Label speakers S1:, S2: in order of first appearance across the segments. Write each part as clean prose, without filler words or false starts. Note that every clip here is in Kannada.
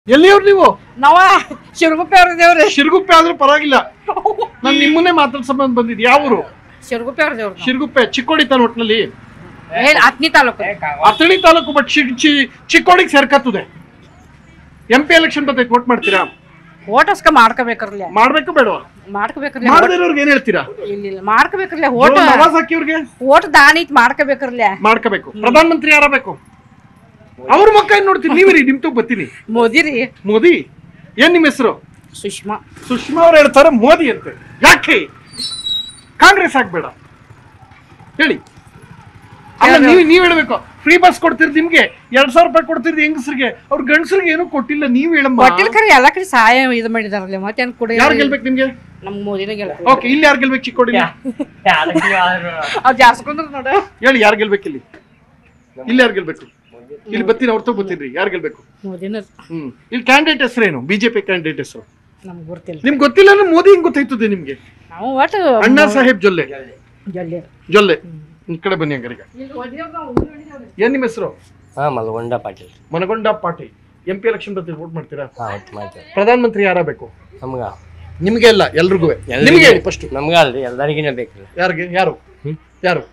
S1: ಎಲ್ಲಿಯವ್ರು ನೀವು?
S2: ನಾವ ಶಿರಗುಪ್ಪೆ ಅವ್ರದೇವ್ರಿ.
S1: ಶಿರಗುಪ್ಪೆ ಆದ್ರೂ ಪರವಾಗಿಲ್ಲ, ನಾನು ನಿಮ್ಮನ್ನೇ ಮಾತಾಡ್ ಸಂಬಂಧ ಬಂದಿದ್ದು. ಯಾವ ಊರು?
S2: ಶಿರಗುಪ್ಪೆ ಅವ್ರದೇವ್ರು.
S1: ಶಿರಗುಪ್ಪೆ ಚಿಕ್ಕೋಡಿ ತಾನ ಒಟ್ಟಿನಲ್ಲಿ
S2: ಹತ್ನಿ ತಾಲೂಕು.
S1: ಅಥಣಿ ತಾಲೂಕು, ಬಟ್ ಚಿಕ್ಕೋಡಿಗೆ ಸೇರ್ಕತ್ತದೆ. MP ಎಲೆಕ್ಷನ್ ಬರ್ತೈತೆ, ವೋಟ್ ಮಾಡ್ತೀರಾ?
S2: ಓಟಸ್ಕ ಮಾಡ್ಕೋಬೇಕ್ರಲ್ಲ.
S1: ಮಾಡ್ಬೇಕು ಬೇಡವಾ?
S2: ಮಾಡ್ಕೋಬೇಕ್ರಲ್ಲ.
S1: ಮಾಡದಿರೋರ್ಗೆ ಏನ್ ಹೇಳ್ತೀರಾ?
S2: ಇಲ್ಲ ಮಾಡ್ಕೋಬೇಕ್ರಲ್ಲ. ಓಟ್
S1: ನವಾಜ್ ಹಾಕಿವ್ರಿಗೆ
S2: ಓಟ್ ದಾನಿ ಮಾಡ್ಕೋಬೇಕ್ರಲ್ಲ.
S1: ಮಾಡ್ಕೋಬೇಕು. ಪ್ರಧಾನ ಮಂತ್ರಿ ಯಾರ ಬೇಕು? ಅವ್ರ ಮಕ್ಕ ಏನ್ ನೋಡ್ತೀನಿ, ನೀವ್ರಿ ನಿಮ್ ತಗ ಬರ್ತೀನಿ.
S2: ಮೋದಿ ರೀ.
S1: ಮೋದಿ. ಏನ್ ನಿಮ್ ಹೆಸರು?
S2: ಸುಷ್ಮಾ.
S1: ಸುಷ್ಮಾ ಅವ್ರು ಹೇಳ್ತಾರೆ ಮೋದಿ ಅಂತೆ. ಯಾಕೆ ಕಾಂಗ್ರೆಸ್ ಆಗ್ಬೇಡ ಹೇಳಿ? ಅಲ್ಲ, ನೀವ್ ಹೇಳ್ಬೇಕು. ಫ್ರೀ ಬಸ್ ಕೊಡ್ತಿರ್, ನಿಮ್ಗೆ 2000 ರೂಪಾಯಿ ಕೊಡ್ತಿರ್ದು ಹೆಂಗಸರಿಗೆ, ಅವ್ರ ಗಂಡಸರಿಗೆ ಏನೂ ಕೊಟ್ಟಿಲ್ಲ. ನೀವ್ ಹೇಳಮ್ಮ.
S2: ಕೊಟ್ಟಿಲ್ಕರಿ ಎಲ್ಲ ಕಡೆ ಸಹಾಯ ಇದು ಮಾಡಿದಾರಲ್ಲ. ಮತ್ತೇನ್ ಕೊಡಿ.
S1: ಯಾರು ಗೆಲ್ಬೇಕು ನಿಮ್ಗೆ?
S2: ನಮ್ ಮೋದಿನ ಗೆಲ್ಬೇಕು.
S1: ಓಕೆ, ಇಲ್ಲಿ ಯಾರು ಗೆಲ್ಬೇಕು? ಚಿಕ್ಕೋಡಿ
S2: ಅವ್ರು ಜಾಸ್ಕೊಂಡ್ರ ನೋಡ.
S1: ಹೇಳಿ, ಯಾರು ಗೆಲ್ಬೇಕು ಇಲ್ಲಿ? ಇಲ್ಲಿ ಯಾರು ಗೆಲ್ಬೇಕು? ಇಲ್ಲಿ ಬತ್ತೀನಿ, ಅವ್ರ ತಗ ಬತ್ತೀನ್ರಿ. ಯಾರು ಗೆಲ್ಬೇಕು?
S2: ಮೋದಿನ.
S1: ಇಲ್ಲಿ ಕ್ಯಾಂಡಿಡೇಟ್ ಹೆಸರೇನು? ಬಿಜೆಪಿ ಕ್ಯಾಂಡಿಡೇಟ್ ಹೆಸರು
S2: ನಮ್ಗೆ ಗೊತ್ತಿಲ್ಲ.
S1: ನಿಮ್ಗೆ ಗೊತ್ತಿಲ್ಲ ಅಂದ್ರೆ ಮೋದಿ ಹೆಂಗ್ ಗೊತ್ತಾಯ್ತದೆ ನಿಮ್ಗೆ?
S2: ನಾವು ಒಟ್ಟು
S1: ಅಣ್ಣಾ ಸಾಹೇಬ್ ಜೊಲ್ಲೆ. ಜೊಲ್ಲೆ ಈ ಕಡೆ ಬನ್ನಿ ಹಂಗಾರೀಗ. ಏನ್ ನಿಮ್ಮ ಹೆಸರು?
S3: ಮಲಗೊಂಡ ಪಾಟೀಲ್.
S1: ಮನಗೊಂಡ ಪಾಟೀಲ್. MP ಎಲೆಕ್ಷನ್ ಬರ್ತೀವಿ, ವೋಟ್ ಮಾಡ್ತೀರಾ? ಪ್ರಧಾನ ಮಂತ್ರಿ ಯಾರ ಬೇಕು?
S3: ನಮ್ಗ
S1: ನಿಮ್ಗೆ ಅಲ್ಲ, ಎಲ್ರಿಗೂ. ನಿಮ್ಗೆ ಹೇಳಿ ಫಸ್ಟ್.
S3: ನಮ್ಗ ಅಲ್ರಿ, ಎಲ್ಲರಿಗಿನ ಬೇಕ್ರಿ.
S1: ಯಾರಿಗೆ? ಯಾರು ಯಾರು?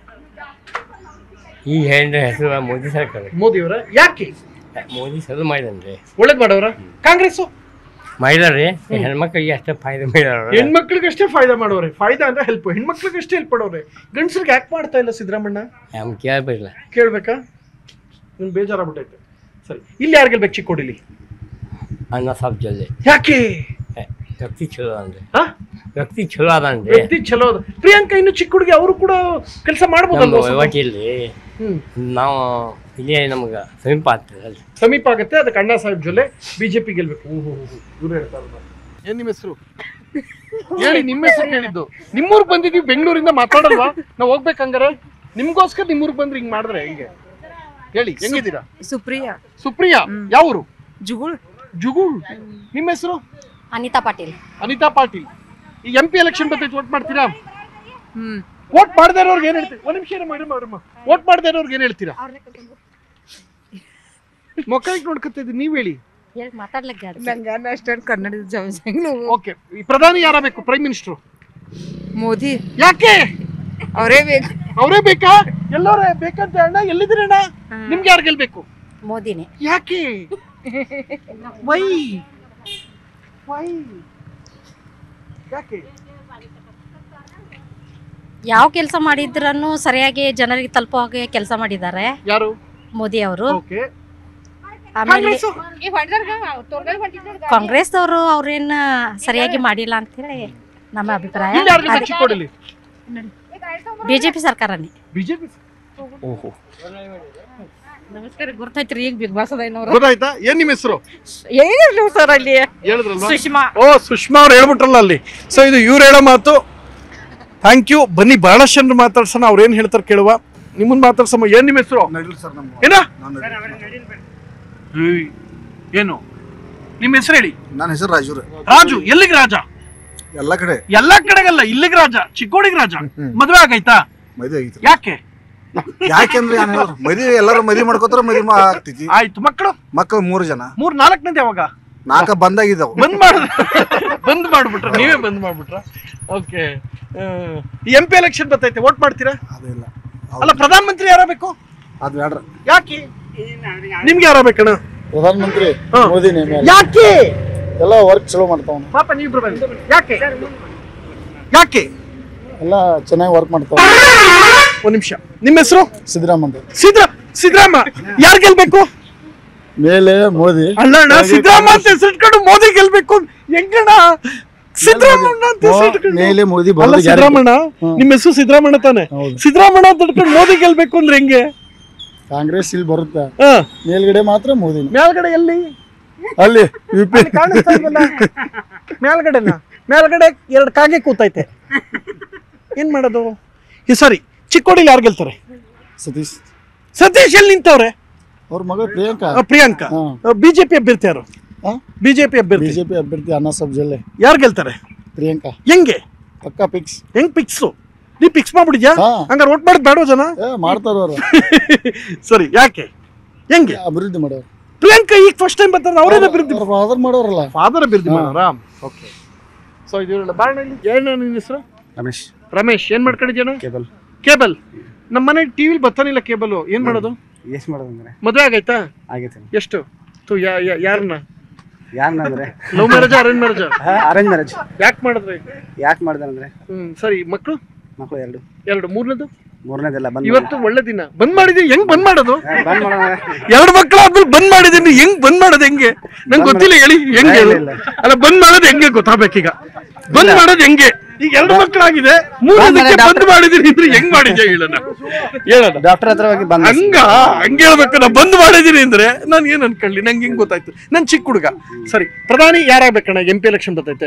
S3: ಈ ಹೆಂಡ್ರ ಹೆಸರು ಮೋದಿ ಸರ್ಕಾರ.
S1: ಮೋದಿ ಅವರ? ಯಾಕೆ?
S3: ಮೋದಿ ಸರಿ ಮಾಡಿದನ್ರಿ.
S1: ಒಳ್ಳೇದ್ ಮಾಡವ್ರ? ಕಾಂಗ್ರೆಸ್
S3: ಮಾಡಿದಾರ್ರಿ. ಹೆಣ್ಮಕ್ಳಿಗೆ ಅಷ್ಟೇ ಫಾಯ್ದೆ ಮಾಡ್ಯಾರ.
S1: ಹೆಣ್ಮಕ್ಳಿಗೆ ಅಷ್ಟೇ ಫಾಯ್ದಾ ಮಾಡೋರೆ. ಫಾಯ್ದಾ ಅಂದ್ರೆ ಹೆಲ್ಪ್. ಹೆಣ್ಮಕ್ಳಿಗೆ ಅಷ್ಟೇ ಹೆಲ್ಪ್ ಮಾಡೋರೆ. ಗಂಡಸರಿಗೆ ಯಾಕೆ ಮಾಡ್ತಾ ಇಲ್ಲ ಸಿದ್ದರಾಮಣ್ಣ?
S3: ಕೇಳ್ಬೇಕಿಲ್ಲ.
S1: ಕೇಳ್ಬೇಕಾ? ನಿಮ್ ಬೇಜಾರಾಗ್ಬಿಟ್ಟೈತೆ. ಸರಿ, ಇಲ್ಲಿ ಯಾರು ಗೆಲ್ಬೇಕು ಚಿಕ್ಕೋಡಿಲಿ?
S3: ಅಣ್ಣ ಸಾಹೇಬ್ ಜೊಲ್ಲೆ.
S1: ಯಾಕೆ?
S3: ವ್ಯಕ್ತಿ ಚಲೋ ಅನ್ರಿ. ವ್ಯಕ್ತಿ ಚಲೋ ಅದನ್ರಿ.
S1: ವ್ಯಕ್ತಿ ಚಲೋ ಅದ. ಪ್ರಿಯಾಂಕಾ ಇನ್ನು ಚಿಕ್ಕ ಹುಡುಗಿ, ಅವರು ಕೂಡ ಕೆಲಸ ಮಾಡ್ಬೋದು.
S3: ಇಲ್ರಿ, ನಾವು ಇಲ್ಲೇ ನಮ್ಗ ಸಮೀಪ ಆಗ್ತದೆ.
S1: ಸಮೀಪ ಆಗುತ್ತೆ. ಅದಕ್ಕೆ ಅಣ್ಣಾ ಸಾಹೇಬ್ ಜೊಲ್ಲೆ ಬಿಜೆಪಿ ಗೆಲ್ಬೇಕು. ಇವ್ರು ಹೇಳ್ತಾರೆ. ಏನ್ ನಿಮ್ಮ ಹೆಸರು? ಹೇಳಿ, ನಿಮ್ಮ ಹೆಸರು ಹೇಳಿದ್ದು. ನಿಮ್ಮೂರ್ಗ್ ಬಂದಿದೀವಿ, ಬೆಂಗಳೂರಿಂದ. ಮಾತಾಡಲ್ವಾ? ನಾವು ಹೋಗ್ಬೇಕಂಗಾರೆ. ನಿಮ್ಗೋಸ್ಕರ ನಿಮ್ಮೂರ್ಗ್ ಬಂದ್ರೆ ಹಿಂಗ್ ಮಾಡಿದ್ರೆ ಹೆಂಗೆ ಹೇಳಿ? ಹೆಂಗಿದ್ದೀರಾ?
S2: ಸುಪ್ರಿಯಾ.
S1: ಸುಪ್ರಿಯಾ. ಯಾವೂರು?
S2: ಜುಗುಳ್.
S1: ಜುಗುಳ್. ನಿಮ್ಮ ಹೆಸರು?
S4: ಅನಿತಾ ಪಾಟೀಲ್.
S1: ಅನಿತಾ ಪಾಟೀಲ್. ಈ MP ಎಲೆಕ್ಷನ್ ಬರ್ತೈತೆ, ವೋಟ್ ಮಾಡ್ತೀರಾ? ವೋಟ್ ಮಾಡದೇ ಇರೋರ್ಗೆ ಏನ್ ಹೇಳ್ತೀರಾ? ಒಂದ್ ನಿಮಿಷ ಮೇಡಮ್. ವೋಟ್ ಮಾಡದೇ ಇರೋರ್ಗೆ ಏನ್ ಹೇಳ್ತೀರಾ? ಮೊಕ್ಕಳಿಗೆ ನೋಡ್ಕೊತಾ ಇದ್ದೀವಿ, ನೀವ್ ಹೇಳಿ. ಓಕೆ, ಈ ಪ್ರಧಾನಿ ಯಾರ ಬೇಕು? Prime minister
S2: Modi.
S1: ಯಾಕೆ?
S2: ಅವರೇ ಬೇಕು.
S1: ಅವರೇ ಬೇಕಾ? ಎಲ್ಲರೇ ಬೇಕಂತ ಅಣ್ಣ. ಎಲ್ಲಿದ್ದೀರಿ ಅಣ್ಣ? ನಿಮ್ಗೆ ಯಾರು ಗೆಲ್ಬೇಕು?
S4: ಮೋದಿನೇ.
S1: ಯಾಕೆ? ವೈ ವೈ ಯಾಕೆ?
S4: ಯಾವ ಕೆಲಸ ಮಾಡಿದ್ರನ್ನು ಸರಿಯಾಗಿ ಜನರಿಗೆ ತಲುಪೋ ಹಾಗೆ ಕೆಲಸ ಮಾಡಿದ್ದಾರೆ
S1: ಯಾರು?
S4: ಮೋದಿ ಅವರು.
S1: ಓಕೆ.
S4: ಆಮೇಲೆ ಕಾಂಗ್ರೆಸ್ ಅವರು ಅವ್ರೇನ್ ಸರಿಯಾಗಿ ಮಾಡಿಲ್ಲ ಅಂತ ಹೇಳಿ ನಮ್ಮ ಅಭಿಪ್ರಾಯ.
S1: ಚಿಕ್ಕೋಡಿಲಿ
S4: ಬಿಜೆಪಿ ಸರ್ಕಾರನೇ.
S1: ಬಿಜೆಪಿ.
S3: ಓಹೋ,
S2: ನಮಸ್ಕಾರ. ಗೊತ್ತೈತ್ರಿ ಈಗ ಬಿಗ್ ಬಾಸ್
S1: ಗೊತ್ತಾಯ್ತಾ? ಏನ್ ನಿಮ್ಮ ಹೆಸರು?
S2: ಏನಿಲ್ಲ ಸರ್, ಅಲ್ಲಿ
S1: ಹೇಳಿದ್ರಲ್ವಾ?
S2: ಸುಷ್ಮಾ.
S1: ಓ, ಸುಷ್ಮಾ ಅವ್ರು ಹೇಳ್ಬಿಟ್ರಲ್ಲ ಅಲ್ಲಿ. ಸೊ ಇದು ಇವ್ರು ಹೇಳೋ ಮಾತು. Thank you. ಬನ್ನಿ, ಬಹಳಷ್ಟು ಜನರು ಮಾತಾಡ್ಸೋಣ. ಅವ್ರು ಏನ್ ಹೇಳ್ತಾರೆ ಕೇಳುವ. ನಿಮ್ಮನ್ನ ಮಾತಾಡ್ಸಮ್ಮ. ಏನ್ ನಿಮ್ಮ ಹೆಸರು? ಏನ? ಏನು ನಿಮ್ಮ ಹೆಸರು ಹೇಳಿ?
S5: ನನ್ನ ಹೆಸರು ರಾಜು.
S1: ರಾಜು. ಎಲ್ಲಿಗೆ ರಾಜ?
S5: ಎಲ್ಲ ಕಡೆ.
S1: ಎಲ್ಲಾ ಕಡೆಗಲ್ಲ, ಇಲ್ಲಿಗೆ ರಾಜ. ಚಿಕ್ಕೋಡಿಗೆ ರಾಜ. ಮದ್ವೆ ಆಗೈತಾ?
S5: ಮದುವೆ ಆಗಿತ್ತು.
S1: ಯಾಕೆ?
S5: ಯಾಕೆಂದ್ರೆ ಮದುವೆ ಎಲ್ಲರೂ ಮದುವೆ ಮಾಡ್ಕೋತಾರ, ಮದುವೆ ಆಗ್ತೈತಿ.
S1: ಆಯ್ತು. ಮಕ್ಕಳು?
S5: ಮಕ್ಕಳು 3 ಜನ.
S1: 4ನೇದು ಯಾವಾಗ?
S5: 4 ಬಂದಾಗಿದ್ದಾವ.
S1: ಬಂದ್ ಮಾಡ್ಬಿಟ್ರ? ನೀವೇ ಬಂದ್ ಮಾಡ್ಬಿಟ್ರ? ಓಕೆ. MP ಎಲೆಕ್ಷನ್ ಬರ್ತೈತೆ, ವೋಟ್ ಮಾಡ್ತೀರಾ?
S5: ಅದಿಲ್ಲ.
S1: ಅಲ್ಲ, ಪ್ರಧಾನ ಮಂತ್ರಿ ಯಾರ ಬೇಕು?
S5: ಅದು ಬೇಡ್ರ.
S1: ಯಾಕೆ? ನಿಮ್ಗೆ ಯಾರ ಬೇಕಣ್ಣ?
S5: ಪ್ರಧಾನ ಮಂತ್ರಿ ಮೋದಿನೇ.
S1: ಯಾಕೆ?
S5: ಎಲ್ಲ ವರ್ಕ್ ಚಲೋ ಮಾಡ್ತಾವ.
S1: ಪಾಪ ನೀವಿಬ್ರು ಬನ್ನಿ. ಯಾಕೆ? ಯಾಕೆ?
S5: ಎಲ್ಲ ಚೆನ್ನಾಗಿ ವರ್ಕ್ ಮಾಡ್ತಾವ.
S1: ಒಂದ್ ನಿಮಿಷ. ನಿಮ್ಮ ಹೆಸರು?
S5: ಸಿದ್ದರಾಮಯ್ಯ.
S1: ಸಿದ್ದರಾಮ. ಯಾರು ಗೆಲ್ಬೇಕು?
S5: ಮೇಲೆ ಮೋದಿ.
S1: ಅಲ್ಲ, ಸಿದ್ದರಾಮ ಅಂತ ಹೆಸರಿಟ್ಕೊಂಡು ಮೋದಿ ಗೆಲ್ಬೇಕು ಹೆಂಗಣ್ಣ? ಸಿದ್ದರಾಮಣ್ಣ ಅಂತ ಹೆಸರಿಟ್ಕೊಂಡು
S5: ಮೇಲೆ ಮೋದಿ.
S1: ಸಿದ್ದರಾಮಣ್ಣ. ನಿಮ್ಮ ಹೆಸರು ಸಿದ್ದರಾಮಣ್ಣ ತಾನೆ? ಸಿದ್ದರಾಮಣ್ಣ ಅಂತ ಇಟ್ಕೊಂಡು ಮೋದಿ ಗೆಲ್ಬೇಕು ಅಂದ್ರೆ ಹೆಂಗೆ?
S5: ಕಾಂಗ್ರೆಸ್ ಇಲ್ಲಿ ಬರುತ್ತೆ, ಮೇಲ್ಗಡೆ ಮಾತ್ರ ಮೋದಿ.
S1: ಮೇಲ್ಗಡೆ ಎಲ್ಲಿ?
S5: ಅಲ್ಲಿ
S1: ಕಾಣಿಸ್ತಾ ಇಲ್ವಲ್ಲ ಮೇಲ್ಗಡೆನ? ಮೇಲ್ಗಡೆ 2 ಕಾಗೆ ಕೂತೈತೆ. ಏನ್ ಮಾಡೋದು? ಸರಿ, ಚಿಕ್ಕೋಡಿಲಿ ಯಾರು ಗೆಲ್ತಾರೆ? ಸತೀಶ್ ಎಲ್ಲಿ ನಿಂತವ್ರೆ?
S5: ಅವ್ರ ಮಗಳು
S1: ಪ್ರಿಯಾಂಕಾ. ಬಿಜೆಪಿ ಅಭ್ಯರ್ಥಿ ಯಾರು? ಬಿಜೆಪಿ
S5: ಅಭ್ಯರ್ಥಿ ಅಣ್ಣಾ ಸಾಹೇಬ್ ಜೊಲ್ಲೆ.
S1: ಯಾರು ಗೆಲ್ತಾರೆ?
S5: ಪ್ರಿಯಾಂಕಾ.
S1: ಹೆಂಗೆ?
S5: ಪಕ್ಕಾ ಫಿಕ್ಸ್.
S1: ಹೆಂಗ್ ಫಿಕ್ಸು? ನೀ ಫಿಕ್ಸ್ ಮಾಡ್ಬಿಡಿದ್ಯಾ? ಹಂಗಾರೆ ವೋಟ್ ಮಾಡೋದು ಬೇಡ ಜನ?
S5: ಮಾಡ್ತಾರ.
S1: ಸರಿ, ಯಾಕೆ? ಹೆಂಗೆ
S5: ಅಭಿವೃದ್ಧಿ ಮಾಡೋರು?
S1: ಪ್ರಿಯಾಂಕಾ ಈಗ ಫಸ್ಟ್ ಟೈಮ್ ಬರ್ತಾರೆ, ಅವರೇನ ಅಭಿವೃದ್ಧಿ
S5: ಫಾದರ್ ಮಾಡೋರಲ್ಲ.
S1: ಫಾದರ್ ಅಭಿವೃದ್ಧಿ ಮಾಡೋರಾ? ಓಕೆ. ಸೊ ಇದೆಲ್ಲ ಬಾಣಲ್ಲಿ ಏನು ನಿನ್ನ ಹೆಸರು?
S5: ರಮೇಶ್.
S1: ರಮೇಶ್. ಏನ್ ಮಾಡ್ಕೊಂಡಿದ್ಯಾನ?
S5: ಕೇಬಲ್.
S1: ಕೇಬಲ್. ನಮ್ಮ ಮನೆ ಟಿವಿಲಿ ಬರ್ತಾನಿಲ್ಲ ಕೇಬಲ್, ಏನ್ ಮಾಡೋದು?
S5: ಎಷ್ಟು ಮಾಡೋದಂದ್ರೆ
S1: ಮದುವೆ ಆಗೈತಾ?
S5: ಆಗೈತೆ.
S1: ಎಷ್ಟು? ಯಾರನ್ನ?
S5: ಯಾರನ್ನಂದ್ರೆ
S1: love marriage, arrange marriage?
S5: Arrange marriage.
S1: ಯಾಕೆ ಮಾಡಿದ್ರಿ?
S5: ಯಾಕೆ ಮಾಡ್ದಂದ್ರೆ
S1: ಸರಿ. ಮಕ್ಕಳು?
S5: ಮಕ್ಕಳು 2.
S1: 2. ಮೂರನೇದು?
S5: ಮೂರನೇದೆಲ್ಲ ಬಂದ್
S1: ಇವತ್ತು ಒಳ್ಳೆ ದಿನ. ಬಂದ್ ಮಾಡಿದೀನಿ. ಹೆಂಗ್ ಬಂದ್ ಮಾಡೋದು?
S5: ಬಂದ್ ಮಾಡೋಣ.
S1: 2 ಮಕ್ಕಳು ಆದ್ಮೇಲೆ ಬಂದ್ ಮಾಡಿದೀನಿ. ಹೆಂಗ್ ಬಂದ್ ಮಾಡೋದು? ಹೆಂಗೆ ನಂಗೆ ಗೊತ್ತಿಲ್ಲ, ಹೇಳಿ ಹೆಂಗೆ? ಅಲ್ಲ, ಬಂದ್ ಮಾಡೋದು ಹೆಂಗೆ ಗೊತ್ತಾಗ್ಬೇಕೀಗ. ಬಂದ್ ಮಾಡೋದು ಹೆಂಗೆ? ಈಗ 2 ಮಕ್ಕಳಾಗಿದೆ, 3ನೇದಕ್ಕೆ ಬಂದ್ ಮಾಡಿದೀನಿ ಅಂದ್ರೆ ಹೆಂಗ್ ಮಾಡಿದ್ಯಾ ಹೇಳೋಣ?
S5: ಡಾಕ್ಟರ್ ಹತ್ರ ಹೋಗಿ ಬಂದ.
S1: ಹಂಗ ಹೇಳ್ಬೇಕು. ನಾ ಬಂದ್ ಮಾಡಿದೀನಿ ಅಂದ್ರೆ ನಾನು ಏನ್ ಅನ್ಕೊಳ್ಳಿ? ನಂಗೆ ಹೆಂಗ್ ಗೊತ್ತಾಯ್ತು? ನನ್ ಚಿಕ್ಕ ಹುಡುಗ. ಸರಿ, ಪ್ರಧಾನಿ ಯಾರಾಗ್ಬೇಕಣ್ಣ? MP ಎಲೆಕ್ಷನ್ ಬರ್ತೈತೆ.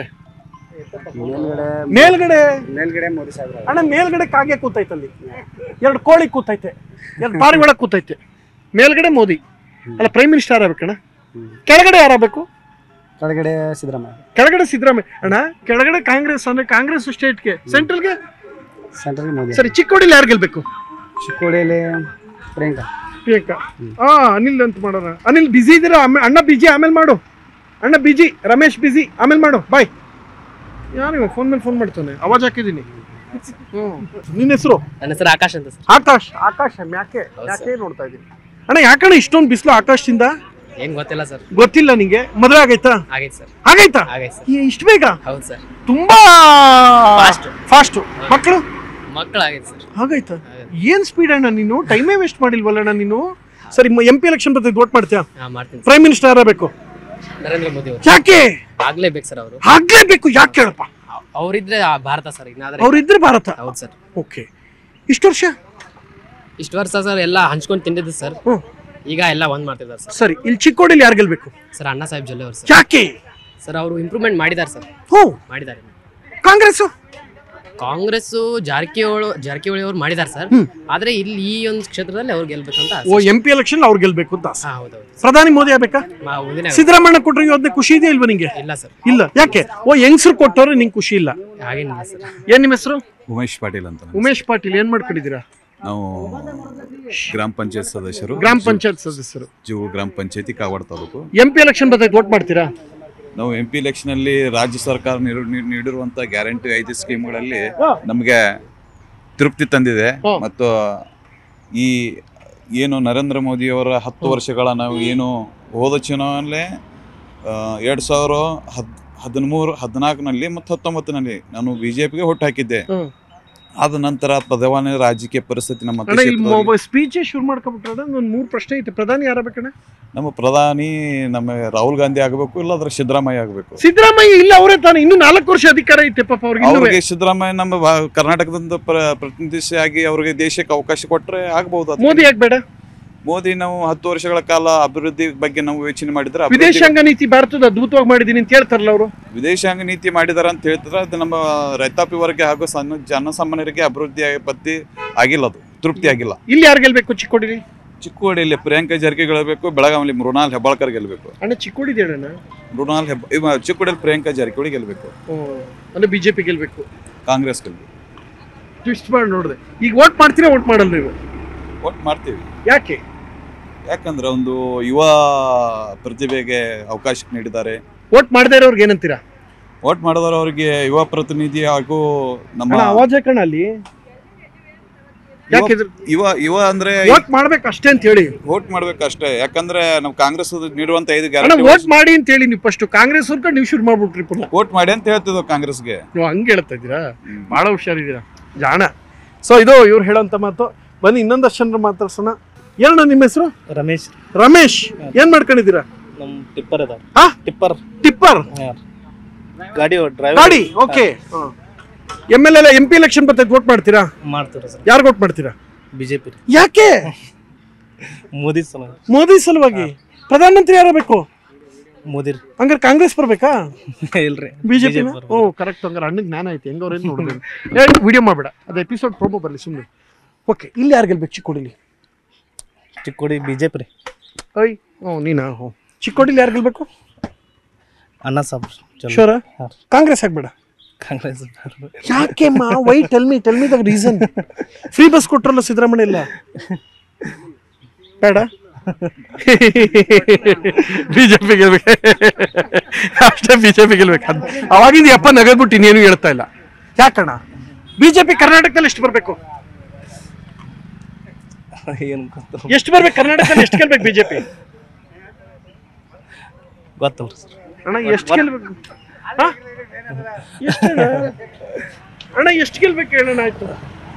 S1: ಮೇಲ್ಗಡೆ
S5: ಮೋದಿ ಸಾಹೇಬ್ರ.
S1: ಅಣ್ಣ, ಮೇಲ್ಗಡೆ ಕಾಗೆ ಕೂತೈತಲ್ಲಿ, 2 ಕೋಳಿ ಕೂತೈತೆ, 2 ಪಾರಿವಾಳ ಕೂತೈತೆ. ಮೇಲ್ಗಡೆ ಮೋದಿ ಅಲ್ಲ, ಪ್ರೈಮ್ ಮಿನಿಸ್ಟರ್ ಯಾರಾಗಬೇಕಣ್ಣ? ಕೆಳಗಡೆ ಯಾರಾಗಬೇಕು?
S5: ಕೆಳಗಡೆ ಸಿದ್ದರಾಮಯ್ಯ.
S1: ಕೆಳಗಡೆ ಸಿದ್ದರಾಮಯ್ಯ. ಅಣ್ಣ, ಕೆಳಗಡೆ ಕಾಂಗ್ರೆಸ್ ಅಂದ್ರೆ ಕಾಂಗ್ರೆಸ್ ಸ್ಟೇಟ್ಗೆ, ಸೆಂಟ್ರಲ್ಗೆ
S5: ಮೋದಿ.
S1: ಸರಿ, ಚಿಕ್ಕೋಡಿಲಿ ಯಾರು ಗೆಲ್ಬೇಕು?
S5: ಚಿಕ್ಕೋಡಿಯಲ್ಲಿ ಪ್ರಿಯಾಂಕಾ.
S1: ಅನಿಲ್ ಅಂತ ಮಾಡೋಣ. ಅನಿಲ್ ಬಿಜಿ ಇದ್ದೀರಾ? ಅಣ್ಣ ಬಿಜಿ, ಆಮೇಲೆ ಮಾಡು. ಅಣ್ಣ ಬಿಜಿ, ರಮೇಶ್ ಬಿಜಿ, ಆಮೇಲೆ ಮಾಡು. ಬಾಯ್. ಯಾರು ಫೋನ್ ಮೇಲೆ ಫೋನ್ ಮಾಡ್ತಾನೆ? ಅವಾಜ್ ಹಾಕಿದ್ದೀನಿ. ನಿನ್ನ ಹೆಸರು?
S6: ನನ್ನ ಹೆಸರು ಆಕಾಶ್ ಅಂತ ಸರ್.
S1: ಆಕಾಶ್. ಯಾಕೆ ನೋಡ್ತಾ ಇದ್ದೀನಿ? ಅಣ್ಣ, ಯಾಕಣ್ಣ ಇಷ್ಟೊಂದು ಬಿಸಿಲು ಆಕಾಶದಿಂದ?
S6: ಏನ್ ಗೊತ್ತಿಲ್ಲ ಸರ್.
S1: ಗೊತ್ತಿಲ್ಲ ನಿಂಗೆ? ಮದುವೆ ಆಗೈತಾ?
S6: ಆಗೈತೆ ಸರ್.
S1: ಆಗೈತಾ?
S6: ಆಗೈತೆ ಸರ್.
S1: ಇಷ್ಟು ಬೇಗ?
S6: ಹೌದು ಸರ್.
S1: ತುಂಬಾ ಫಾಸ್ಟ್. ಮಕ್ಕಳು?
S6: ಮಕ್ಕಳು ಆಗೈತೆ ಸರ್.
S1: ಹಾಗಾಯ್ತಾ? ಏನ್ ಸ್ಪೀಡ್ ಅಣ್ಣ ನೀನು? ಟೈಮೇ ವೇಸ್ಟ್ ಮಾಡಿಲ್ವಲ್ಲಣ್ಣ ನೀನು? ಸರಿ, MP ಎಲೆಕ್ಷನ್ ಬರ್ತೈತೆ, ವೋಟ್ ಮಾಡ್ತೀಯಾ?
S6: ಮಾಡ್ತೀನಿ.
S1: ಪ್ರೈಮ್ ಮಿನಿಸ್ಟರ್ ಯಾರಬೇಕು?
S6: ನರೇಂದ್ರ ಮೋದಿ ಅವರು.
S1: ಯಾಕೆ
S6: ಆಗ್ಲೇಬೇಕು ಸರ್? ಅವರು
S1: ಆಗ್ಲೇಬೇಕು. ಯಾಕೆ ಕೇಳಪ್ಪ?
S6: ಅವರಿದ್ರೆ ಭಾರತ ಸರ್.
S1: ಅವ್ರಿದ್ರೆ ಭಾರತ.
S6: ಹೌದು ಸರ್.
S1: ಓಕೆ. ಇಷ್ಟು ವರ್ಷ
S6: ಸರ್ ಎಲ್ಲ ಹಂಚ್ಕೊಂಡು ತಿಂದಿದ್ದು ಸರ್. ಈಗ ಎಲ್ಲ ಒಂದ್ ಮಾಡ್ತಿದ್ದಾರೆ ಸರ್.
S1: ಸರಿ, ಇಲ್ಲಿ ಚಿಕ್ಕೋಡಿಲಿ ಯಾರು ಗೆಲ್ಬೇಕು?
S6: ಸರ್ ಅಣ್ಣಾ ಸಾಹೇಬ್ ಜೊಲ್ಲೆ ಅವರು ಸರ್.
S1: ಯಾಕೆ?
S6: ಸರ್ ಅವರು ಇಂಪ್ರೂವ್ಮೆಂಟ್ ಮಾಡಿದ್ದಾರೆ ಸರ್. ಮಾಡಿದ್ದಾರೆ. ಕಾಂಗ್ರೆಸ್ ಜಾರಕಿಹೊಳಿ ಅವರು ಮಾಡಿದ್ದಾರೆ ಸರ್. ಆದ್ರೆ ಇಲ್ಲಿ ಈ ಒಂದು ಕ್ಷೇತ್ರದಲ್ಲಿ ಅವ್ರು ಗೆಲ್ಬೇಕಂತ.
S1: MP ಎಲೆಕ್ಷನ್ ಅವ್ರು ಗೆಲ್ಬೇಕು ಅಂತ.
S6: ಹೌದೌದು.
S1: ಪ್ರಧಾನಿ ಮೋದಿ ಆಗ್ಬೇಕಾ? ಸಿದ್ದರಾಮಯ್ಯ ಕೊಟ್ರೆ ಯೋಜನೆ ಖುಷಿ ಇದೆಯಾ ಇಲ್ವಾ ನಿಂಗೆ?
S6: ಇಲ್ಲ ಸರ್.
S1: ಇಲ್ಲ. ಯಾಕೆ? ಹೆಂಗಸರು ಕೊಟ್ಟವ್ರೆ ನಿಂಗೆ ಖುಷಿ ಇಲ್ಲ?
S6: ಹಾಗೇನಿಲ್ಲ ಸರ್.
S1: ಏನ್ ನಿಮ್ಮ ಹೆಸರು?
S7: ಉಮೇಶ್ ಪಾಟೀಲ್ ಅಂತ.
S1: ಉಮೇಶ್ ಪಾಟೀಲ್. ಏನ್ ಮಾಡ್ಕೊಂಡಿದ್ದೀರಾ?
S7: ನಾವು ಗ್ರಾಮ ಪಂಚಾಯತ್ ಸದಸ್ಯರು.
S1: ಗ್ರಾಮ ಪಂಚಾಯತ್ ಸದಸ್ಯರು,
S7: ಜೂರು ಗ್ರಾಮ ಪಂಚಾಯತಿ, ಕಾಗವಾಡ ತಾಲೂಕು.
S1: MP ಎಲೆಕ್ಷನ್ ಬರ್ತೈತೆ, ವೋಟ್ ಮಾಡ್ತೀರಾ?
S7: ನಾವು MP ಎಲೆಕ್ಷನ್ ಅಲ್ಲಿ ರಾಜ್ಯ ಸರ್ಕಾರ ನೀಡಿರುವಂತ ಗ್ಯಾರಂಟಿ 5 ಸ್ಕೀಮ್ಗಳಲ್ಲಿ ನಮಗೆ ತೃಪ್ತಿ ತಂದಿದೆ. ಮತ್ತು ಈ ಏನು ನರೇಂದ್ರ ಮೋದಿ ಅವರ 10 ವರ್ಷಗಳ ನಾವು ಏನು ಹೋದ ಚುನಾವಣೆ 2013, 14ನಲ್ಲಿ ಮತ್ತು 19ನಲ್ಲಿ ನಾನು BJPಗೆ ಹೊಟ್ಟು ಹಾಕಿದ್ದೆ. ಆದ ನಂತರ ಪ್ರಧಾನಿ ರಾಜಕೀಯ ಪರಿಸ್ಥಿತಿ ನಮ್ಮ
S1: ಸ್ಪೀಚ್ ಶುರು ಮಾಡ್ಕೊಬಿಟ್ರೆ ಒಂದು 3 ಪ್ರಶ್ನೆ ಐತೆ. ಪ್ರಧಾನಿ ಯಾರಾಗಬೇಕಣ್ಣ?
S7: ನಮ್ಮ ಪ್ರಧಾನಿ ನಮ್ಮ ರಾಹುಲ್ ಗಾಂಧಿ ಆಗಬೇಕು, ಇಲ್ಲಾಂದ್ರೆ ಸಿದ್ದರಾಮಯ್ಯ ಆಗಬೇಕು.
S1: ಸಿದ್ದರಾಮಯ್ಯ ಇಲ್ಲ, ಅವರೇ ತಾನೆ. ಇನ್ನು 4 ವರ್ಷ ಅಧಿಕಾರ ಐತೆ ಪಾಪ
S7: ಅವ್ರಿಗೆ. ಸಿದ್ದರಾಮಯ್ಯ ನಮ್ಮ ಕರ್ನಾಟಕದಿಂದ ಪ್ರತಿನಿಧಿಸಿಯಾಗಿ ಅವ್ರಿಗೆ ದೇಶಕ್ಕೆ ಅವಕಾಶ ಕೊಟ್ಟರೆ ಆಗ್ಬಹುದು.
S1: ಮೋದಿ ಆಗ್ಬೇಡ?
S7: ಮೋದಿ ನಾವು 10 ವರ್ಷಗಳ ಕಾಲ ಅಭಿವೃದ್ಧಿ ಬಗ್ಗೆ ನಾವು ಯೋಚನೆ ಮಾಡಿದ್ರೆ,
S1: ವಿದೇಶಾಂಗ ನೀತಿ ಭಾರತದ ಅದ್ಭುತವಾಗಿ ಮಾಡಿದೀನಿ ಅಂತ ಹೇಳ್ತಾರಲ್ಲ ಅವರು.
S7: ವಿದೇಶಾಂಗ ನೀತಿ ಮಾಡಿದಾರ ಅಂತ ಹೇಳ್ತಾರೆ. ಅದು ನಮ್ಮ ರೈತಾಪಿ ವರ್ಗ ಹಾಗೂ ಜನಸಾಮಾನ್ಯರಿಗೆ ಅಭಿವೃದ್ಧಿ ಪದ್ಧತಿ ಆಗಿಲ್ಲ, ಅದು ತೃಪ್ತಿ ಆಗಿಲ್ಲ.
S1: ಇಲ್ಲಿ ಯಾರು ಗೆಲ್ಬೇಕು? ಚಿಕ್ಕೋಡಿಲಿ
S7: ಚಿಕ್ಕೋಡಿಯಲ್ಲಿ ಪ್ರಿಯಾಂಕಾ ಜಾರಕಿಹೊಳಿ ಗೆಲ್ಲಬೇಕು, ಬೆಳಗಾವಿಯಲ್ಲಿ ಮೃಣಾಲ್ ಹೆಬ್ಬಾಳ್ಕರ್ ಗೆಲ್ಲಬೇಕು.
S1: ಅಣ್ಣ, ಚಿಕ್ಕೋಡಿದ ಹೇಳಣ್ಣ.
S7: ಚಿಕ್ಕೋಡಿಯಲ್ಲಿ ಪ್ರಿಯಾಂಕಾ ಜಾರಕಿಹೊಳಿ ಗೆಲ್ಲಬೇಕು.
S1: ಅಂದ್ರೆ BJP ಗೆಲ್ಬೇಕು,
S7: ಕಾಂಗ್ರೆಸ್ ಗೆಲ್ಲಬೇಕು.
S1: ಟ್ವಿಸ್ಟ್ ಮಾಡಿ ನೋಡಿದೆ. ಈಗ ವೋಟ್ ಮಾಡ್ತೀರಾ, ವೋಟ್ ಮಾಡಲ್ಲ ನೀವು?
S7: ವೋಟ್ ಮಾಡ್ತೀವಿ.
S1: ಯಾಕೆ?
S7: ಯಾಕಂದ್ರೆ ಒಂದು ಯುವ ಪ್ರತಿಭೆಗೆ ಅವಕಾಶ ನೀಡಿದ್ದಾರೆ.
S1: ವೋಟ್ ಮಾಡದೇ ಇರೋರ್ಗೆ ಏನಂತೀರಾ?
S7: ವೋಟ್ ಮಾಡಿದವರು ಅವರಿಗೆ ಯುವ ಪ್ರತಿನಿಧಿ ಹಾಗೂ ನಮ್ಮ
S1: ಆವಾಜ್ ಹಾಕೋಣ ಅಲ್ಲಿ.
S7: ಯುವ ಅಂದ್ರೆ
S1: ವೋಟ್ ಮಾಡ್ಬೇಕು ಅಷ್ಟೇ ಅಂತ ಹೇಳಿ.
S7: ವೋಟ್ ಮಾಡ್ಬೇಕು ಅಷ್ಟೇ. ಯಾಕಂದ್ರೆ ನಾವು ಕಾಂಗ್ರೆಸ್ ನೀಡುವಂತ 5
S1: ಗ್ಯಾರಂಟಿ ವೋಟ್ ಮಾಡಿ ಅಂತ ಹೇಳಿ ನೀವು ಫಸ್ಟ್ ಕಾಂಗ್ರೆಸ್ ಅವ್ರ ನೀವು ಶುರು ಮಾಡ್ಬಿಟ್ರಿ.
S7: ವೋಟ್ ಮಾಡಿ ಅಂತ ಹೇಳ್ತಿದ್ವು ಕಾಂಗ್ರೆಸ್ಗೆ.
S1: ನೀವು ಹಂಗೆ ಹೇಳ್ತಾ ಇದ್ದೀರಾ? ಬಹಳ ಹುಷಾರಿದ್ದೀರಾ, ಜಾಣ. ಸೊ ಇದು ಇವ್ರು ಹೇಳೋಂತ ಮಾತು. ಬನ್ನಿ ಇನ್ನೊಂದಷ್ಟು ಜನರು ಮಾತಾಡ್ಸೋಣ. ಏನಣ್ಣ ನಿಮ್ಮ ಹೆಸರು?
S8: ರಮೇಶ್.
S1: ರಮೇಶ್, ಏನ್ ಮಾಡ್ಕೊಂಡಿದ್ದೀರಾ?
S8: ನಮ್ ಟಿಪ್ಪರ್ ಅದ.
S1: ಟಿಪ್ಪರ್ ಗಾಡಿ. ಓಕೆ. MLA MP ಎಲೆಕ್ಷನ್ ಬರ್ತೈತೆ, ವೋಟ್ ಮಾಡ್ತೀರಾ?
S8: ಮಾಡ್ತೀರಾ ಸರ್.
S1: ಯಾರು ವೋಟ್ ಮಾಡ್ತೀರಾ?
S8: BJP.
S1: ಯಾಕೆ?
S8: ಮೋದಿ
S1: ಸಲುವಾಗಿ. ಪ್ರಧಾನಮಂತ್ರಿ ಯಾರಬೇಕು?
S8: ಮೋದಿ.
S1: ಹಂಗಾರೆ ಕಾಂಗ್ರೆಸ್ ಬರ್ಬೇಕಾ?
S8: ಇಲ್ರಿ,
S1: BJP. ಕರೆಕ್ಟ್. ಹಂಗಾರೆ ಅಣ್ಣಗೆ ಜ್ಞಾನ ಐತಿ. ಹೆಂಗವ್ರೇನು ನೋಡಿದ್ರು ಹೇಳಿ. ವಿಡಿಯೋ ಮಾಡ್ಬೇಡ, ಅದು ಎಪಿಸೋಡ್ ಪ್ರೋಮೋ ಬರಲಿ ಸುಮ್ಮನೆ. ಓಕೆ, ಇಲ್ಲಿ ಯಾರು ಗೆಲ್ಬೇಕು? ಚಿಕ್ಕೋಡಿಲಿ
S8: BJP ರೀ.
S1: ನೀನಾ? ಚಿಕ್ಕೋಡಿಲಿ ಯಾರು ಗೆಲ್ಬೇಕು?
S8: ಅಣ್ಣಾ ಸಾಹೇಬ್.
S1: ಶೋರ? ಕಾಂಗ್ರೆಸ್ ಆಗ್ಬೇಡ?
S8: ಕಾಂಗ್ರೆಸ್.
S1: ಯಾಕೆ? Why? Tell me the reason. Free bus ಕೊಟ್ರಲ್ಲ ಸಿದ್ದರಾಮಯ್ಯ. ಇಲ್ಲ ಬೇಡ? ಬಿಜೆಪಿ ಗೆಲ್ಬೇಕು ಅಷ್ಟೇ, ಬಿಜೆಪಿ ಗೆಲ್ಬೇಕು. ಅವಾಗಿಂದ ಯಪ್ಪ ನಗದ್ಬಿಟ್ಟು ಇನ್ನೇನು ಹೇಳ್ತಾ ಇಲ್ಲ. ಯಾಕಣ್ಣ ಬಿಜೆಪಿ ಕರ್ನಾಟಕದಲ್ಲಿ ಎಷ್ಟು ಬರ್ಬೇಕು?
S8: ಏನು ಗೊತ್ತು
S1: ಎಷ್ಟು ಬರ್ಬೇಕು ಕರ್ನಾಟಕದಲ್ಲಿ? ಎಷ್ಟು ಗೆಲ್ಬೇಕು ಬಿಜೆಪಿ?
S8: ಗೊತ್ತಲ್ಲ ಸರ್.
S1: ಅಣ್ಣ ಎಷ್ಟು ಗೆಲ್ಬೇಕು? ಅಣ್ಣ ಎಷ್ಟು ಗೆಲ್ಬೇಕು ಹೇಳೋಣ? ಆಯ್ತು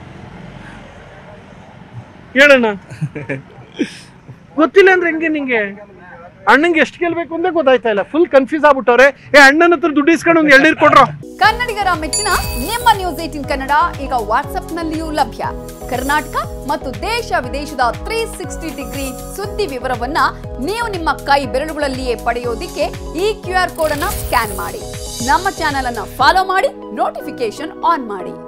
S1: ಹೇಳಣ್ಣ. ಗೊತ್ತಿಲ್ಲ ಅಂದ್ರೆ ಹೆಂಗೆ ನಿಂಗೆ? ಅಣ್ಣಂಗೆ ಎಷ್ಟು ಗೆಲ್ಬೇಕು ಅಂತ ಗೊತ್ತಾಯ್ತಾ ಇಲ್ಲ, ಫುಲ್ ಕನ್ಫ್ಯೂಸ್ ಆಗ್ಬಿಟ್ಟವ್ರೆ. ಅಣ್ಣನ ಹತ್ರ ದುಡ್ಡು ಇಸ್ಕೊಂಡು ಒಂದು ಎಳ್ನೀರು ಕೊಡ್ರೋ.
S9: ಕನ್ನಡಿಗರ ಮೆಚ್ಚಿನ ನಿಮ್ಮ ನ್ಯೂಸ್ 18 ಕನ್ನಡ ಈಗ ವಾಟ್ಸ್ಆಪ್ನಲ್ಲಿಯೂ ಲಭ್ಯ. ಕರ್ನಾಟಕ ಮತ್ತು ದೇಶ ವಿದೇಶದ 360 ಡಿಗ್ರಿ ಸುದ್ದಿ ವಿವರವನ್ನ ನೀವು ನಿಮ್ಮ ಕೈ ಬೆರಳುಗಳಲ್ಲಿಯೇ ಪಡೆಯೋದಿಕ್ಕೆ ಈ QR ಕೋಡ್ ಅನ್ನ ಸ್ಕ್ಯಾನ್ ಮಾಡಿ. ನಮ್ಮ ಚಾನೆಲ್ ಅನ್ನ ಫಾಲೋ ಮಾಡಿ, ನೋಟಿಫಿಕೇಶನ್ ಆನ್ ಮಾಡಿ.